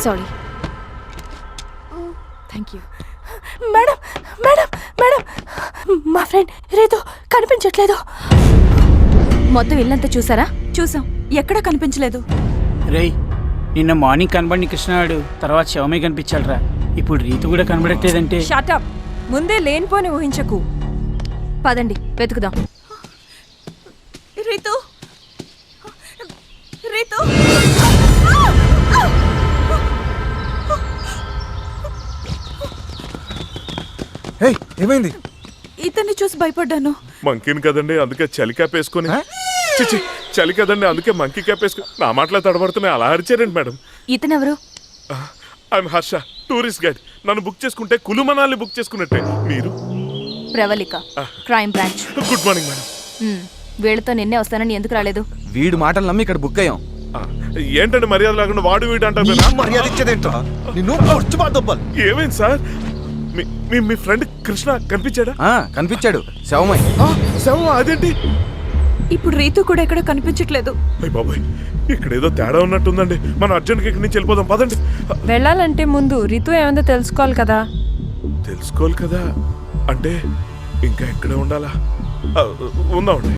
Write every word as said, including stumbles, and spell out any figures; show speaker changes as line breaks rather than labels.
Sorry. Thank you. Madam madam madam మా friend రేతో కనిపించట్లేదు. మొత్తం ఇల్లంతా చూసారా?
చూసాం, ఎక్కడా కనిపించలేదు.
రేయ్, నిన్న మార్నింగ్ కనబడి కృష్ణాడు, తర్వాత శవమే కనిపించాలరా. ఇప్పుడు రీతు కూడా కనబడట్లేదంటే.
షటప్, ముందే లేనిపోని ఊహించకు.
పదండి వెతుకుదాం.
రీతు, రీతు.
ఏయ్, ఏమైంది?
ఇతన్ని చూసి భయపడ్డాను.
మంకీని కదండి, అందుకే చలి క్యాప్ వేసుకొని. చిచి, చలి కదండి, అందుకే మంకీ క్యాప్ వేసుకుని. నా మాటలో తడబడుతున్నాయి, అలా అరిచారండి మేడం.
ఇతనెవరు?
I'm Harsha, tourist guide. నన్ను బుక్ చేసుకుంటే కులు మనాలి బుక్ చేసుకున్నట్టే. మీరు?
Pravalika, crime branch.
Good morning madam.
వీళ్ళతో నిన్నే వస్తానని ఎందుకు రాలేదు?
వీడు మాటలు నమ్మి ఇక్కడ బుక్ అయ్యాం.
ఏంటండి మర్యాద లేకుండా వాడు వీడు అంటారు?
మర్యాద ఇచ్చేదేంట్రా? నిన్ను
ఏమైంది సార్? మీ మీ ఫ్రెండ్ కృష్ణ కనిపించాడా?
కనిపించాడు, శవమై.
శవం? అదేంటి?
ఇప్పుడు రీతు కూడా ఎక్కడ కనిపించట్లేదు.
అయ్య బాబాయ్, ఇక్కడ ఏదో తేడా ఉన్నట్టుందండి. మనం అర్జెంట్గా ఇక్కడి నుంచి వెళ్ళిపోదాం, పదండి.
వెళ్ళాలంటే ముందు రీతు ఏమైందో తెలుసుకోవాలి కదా.
తెలుసుకోవాలి కదా అంటే ఇంకా ఎక్కడే ఉండాలా? ఉందామండి.